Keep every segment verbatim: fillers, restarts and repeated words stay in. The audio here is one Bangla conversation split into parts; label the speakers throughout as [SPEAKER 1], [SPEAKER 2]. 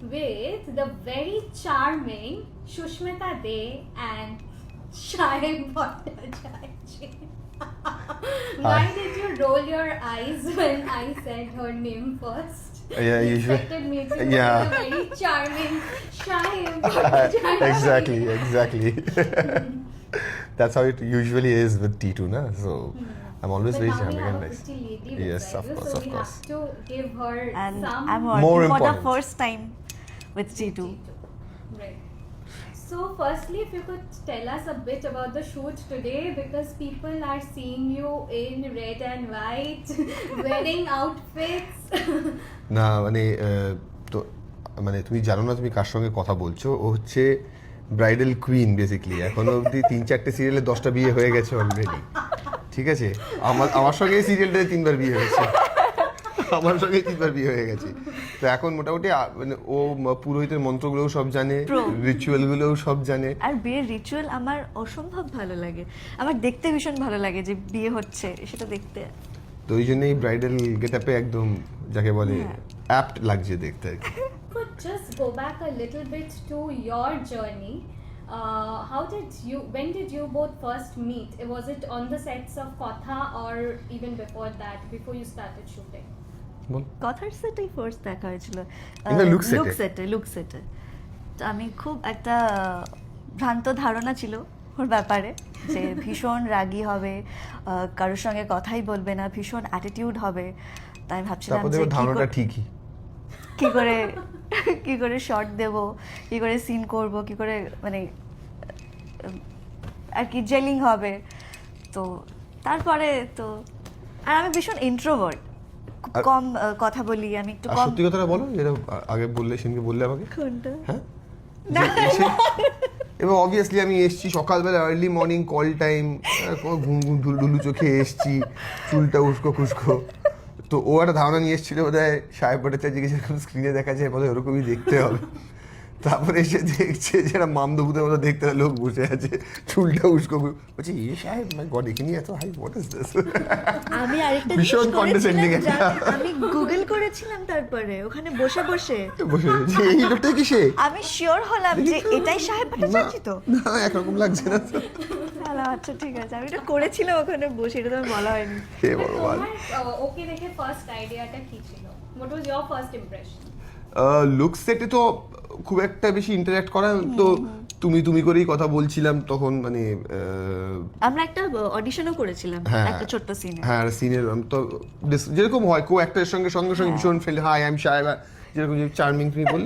[SPEAKER 1] with the very charming Shushmita De and Shayam Bhattacharya. Why did you roll your eyes when I said her name first?
[SPEAKER 2] Yeah,
[SPEAKER 1] you
[SPEAKER 2] usually-
[SPEAKER 1] expected me to
[SPEAKER 2] yeah.
[SPEAKER 1] yeah. a very charming Shayam Bhattacharya.
[SPEAKER 2] exactly, exactly. That's how it usually is with T two, na? So I'm always
[SPEAKER 1] But
[SPEAKER 2] very
[SPEAKER 1] now we
[SPEAKER 2] charming
[SPEAKER 1] have
[SPEAKER 2] and
[SPEAKER 1] a
[SPEAKER 2] nice.
[SPEAKER 1] pretty lady
[SPEAKER 2] Yes,
[SPEAKER 1] beside
[SPEAKER 2] of
[SPEAKER 1] you,
[SPEAKER 2] course,
[SPEAKER 1] so
[SPEAKER 2] of
[SPEAKER 1] we
[SPEAKER 2] course.
[SPEAKER 1] have to give her
[SPEAKER 3] And
[SPEAKER 1] some
[SPEAKER 3] I'm
[SPEAKER 2] More
[SPEAKER 3] working for the
[SPEAKER 2] important.
[SPEAKER 3] first time with T two.
[SPEAKER 1] Right. So, firstly, if you could tell us a bit about the shoot today, because people are seeing you in red and white, wedding outfits.
[SPEAKER 2] না মানে আহ, তো মানে তুমি জানো না তুমি কার সঙ্গে কথা বলছো, ও হচ্ছে ব্রাইডাল কুইন বেসিক্যালি। এখনো অবধি তিন চারটে সিরিয়ালে দশটা বিয়ে হয়ে গেছে অলরেডি, ঠিক আছে? আমার আমার সঙ্গে এই সিরিয়ালটাতে তিনবার বিয়ে হয়েছে, আমার সঙ্গে তিনবার বিয়ে হয়ে গেছে। তো এখন মোটামুটি আ, মানে ও ম- পুরোহিতের মন্ত্রগুলোও সব জানে,
[SPEAKER 3] Pro.
[SPEAKER 2] রিচুয়ালগুলোও সব জানে।
[SPEAKER 3] আর বিয়ের রিচুয়াল আমার অসম্ভব ভালো লাগে, আমার দেখতে ভীষণ ভালো লাগে যে বিয়ে হচ্ছে সেটা দেখতে।
[SPEAKER 2] তো ওই জন্যই ব্রাইডাল গেট আপে একদম যাকে বলে
[SPEAKER 3] হ্যাঁ।
[SPEAKER 2] অ্যাপ্ট লাগছে দেখতে আর কি।
[SPEAKER 1] Could just go back a little bit to your journey. Uh, how did you, when did you both first meet? Was it on the sets of Kotha or even before that, before you started shooting?
[SPEAKER 2] বল।
[SPEAKER 3] কথার সেটেই ফার্স্ট দেখা হয়েছিল,
[SPEAKER 2] In the look set
[SPEAKER 3] look
[SPEAKER 2] এ?
[SPEAKER 3] সেটে লুক সেটে। তো আমি খুব একটা ভ্রান্ত ধারণা ছিল ওর ব্যাপারে যে ভীষণ রাগী হবে, আহ, কারোর সঙ্গে কথাই বলবে না, ভীষণ অ্যাটিটিউড হবে। তাই আমি ভাবছিলাম
[SPEAKER 2] তারপর
[SPEAKER 3] যে
[SPEAKER 2] দেখো
[SPEAKER 3] কি
[SPEAKER 2] ধারণাটা
[SPEAKER 3] করে-
[SPEAKER 2] ঠিকই।
[SPEAKER 3] কি করে কি করে শর্ট দেব, কি করে সিন করব, কি করে মানে উম, আর কি জেলিং হবে। তো তারপরে তো আর আমি ভীষণ ইন্ট্রোভার্ট,
[SPEAKER 2] আর-
[SPEAKER 3] কম আহ, কথা বলি আমি, একটু
[SPEAKER 2] আর
[SPEAKER 3] কম।
[SPEAKER 2] সত্যি কথাটা বলো, যেটা আ- আগে বললে সেদিনকে বললে আমাকে,
[SPEAKER 3] কোনটা?
[SPEAKER 2] হ্যাঁ যে এসে- এবং অবভিয়াসলি আমি এসছি সকালবেলা আর্লি মর্নিং কল টাইম, ঘুম ঘুম ঢুল ঢুলু চোখে এসছি, চুলটা উস্কো খুস্কো। তো ও একটা ধারণা নিয়ে এসেছিল বোধ হয় সাহেব ভট্টাচার্যকে যেরকম স্ক্রিনে দেখা যায় বোধ হয় ওরকমই দেখতে হবে। তারপরে এসে দেখছে যে একটা মামদভূতের মতো দেখতে একটা লোক বসে আছে, চুলটা উস্কো খু- বলছি এ সাহেব মাই গড এখানে এত হাই হোয়াট ইজ দিস।
[SPEAKER 3] আমি আরেকটা
[SPEAKER 2] ভীষণ
[SPEAKER 3] জিনিস
[SPEAKER 2] condescending
[SPEAKER 3] করেছিলাম,
[SPEAKER 2] একটা।
[SPEAKER 3] জানো? আমি গুগল করেছিলাম তারপরে ওখানে বসে বসে,
[SPEAKER 2] বসে যে এই লোকটা কি সে?
[SPEAKER 3] আমি শিওর হলাম যে এটাই সাহেব ভট্টাচার্য তো।
[SPEAKER 2] না একরকম লাগছে না তো।
[SPEAKER 3] তাহলে আচ্ছা ঠিক আছে, আমি এটা করেছিলাম ওখানে বসে, এটা তো আমার বলা হয়নি।
[SPEAKER 2] হে
[SPEAKER 1] But
[SPEAKER 2] ভগবান।
[SPEAKER 1] তোমার ওকে দেখে ফার্স্ট আইডিয়াটা কি ছিল? What was your first impression?
[SPEAKER 2] Look সেটে তো খুব একটা বেশি ইন্টারঅ্যাক্ট করা, তো তুমি তুমি করেই কথা বলছিলাম তখন, মানে আহ,
[SPEAKER 3] আমরা একটা অডিশনও করেছিলাম
[SPEAKER 2] হ্যাঁ
[SPEAKER 3] একটা ছোট্ট সিনে।
[SPEAKER 2] হ্যাঁ সিনের তো dis- যেরকম হয় কো অ্যাক্টরের সঙ্গে সঙ্গে সঙ্গে ভীষণ ফ্রেন্ড, হাই আই এম সাহেব, যেরকম যে চার্মিং তুমি বললে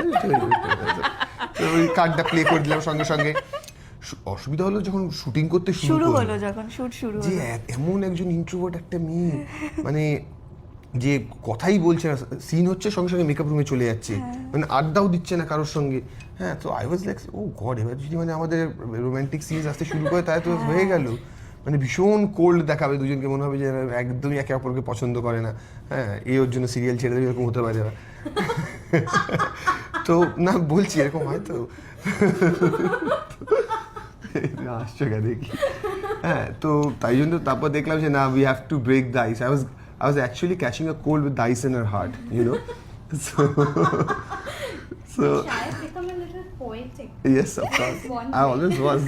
[SPEAKER 2] তো ওই কার্ডটা প্লে করে দিলাম সঙ্গে সঙ্গে। সু- অসুবিধা হলো যখন শুটিং করতে
[SPEAKER 3] শুরু
[SPEAKER 2] শুরু
[SPEAKER 3] হলো,
[SPEAKER 2] হলো,
[SPEAKER 3] যখন শুট শুরু
[SPEAKER 2] যে
[SPEAKER 3] হলো,
[SPEAKER 2] এ- এমন একজন ইন্ট্রোভার্ট একটা মেয়ে, মানে যে কথাই বলছে না, সিন হচ্ছে সঙ্গে সঙ্গে মেকআপ রুমে চলে যাচ্ছে, মানে আড্ডাও দিচ্ছে না কারোর সঙ্গে। হ্যাঁ তো I was like oh god, এবার যদি মানে আমাদের রোমান্টিক সিনস আসতে শুরু করে তাই তো হয়ে গেল। মানে ভীষণ কোল্ড দেখাবে দুজনকে, মনে হবে যে এরা একদমই একে অপরকে পছন্দ করে না। হ্যাঁ এই ওর জন্য সিরিয়াল ছেড়ে দেবে এরকম হতে পারে। তো না বলছি এরকম হয়তো আসছো কেন দেখি। হ্যাঁ তো তাই জন্য তারপর দেখলাম যে না we have to break the ice. I was I was actually catching a cold with the ice in her her, ইউ you. Know so
[SPEAKER 1] Shayad become a little poetic.
[SPEAKER 2] yes of course
[SPEAKER 1] One
[SPEAKER 2] I
[SPEAKER 1] way.
[SPEAKER 2] always was.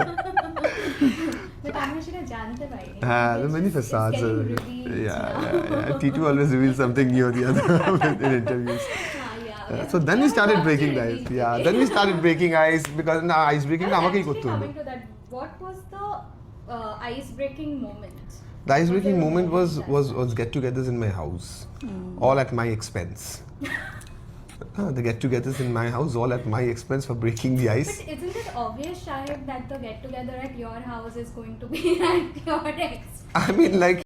[SPEAKER 1] But আমরা সেটা জানতে পারিনি।
[SPEAKER 2] হ্যাঁ
[SPEAKER 1] It's
[SPEAKER 2] the many
[SPEAKER 1] just- it's
[SPEAKER 2] facades
[SPEAKER 1] getting
[SPEAKER 2] are-
[SPEAKER 1] revealed
[SPEAKER 2] yeah
[SPEAKER 1] now.
[SPEAKER 2] yeah yeah T two always reveals something new or the other in interviews.
[SPEAKER 1] Ah, yeah.
[SPEAKER 2] Uh, so then we started breaking the ice.
[SPEAKER 1] Reveal
[SPEAKER 2] Yeah,
[SPEAKER 1] today.
[SPEAKER 2] then we started breaking ice because না ice breaking টা
[SPEAKER 1] Well,
[SPEAKER 2] আমাকেই
[SPEAKER 1] actually
[SPEAKER 2] করতে হলো।
[SPEAKER 1] coming to that, what was the uh, ice-breaking moment?
[SPEAKER 2] The ice breaking
[SPEAKER 1] Was there a
[SPEAKER 2] moment was
[SPEAKER 1] that-
[SPEAKER 2] was was get-togethers in my house, all at my expense. Uh, the get-togethers in my house, all at my expense for breaking the ice.
[SPEAKER 1] But isn't it obvious, Shahid, that the get-together at your house is going to be at your ex?
[SPEAKER 2] I mean, like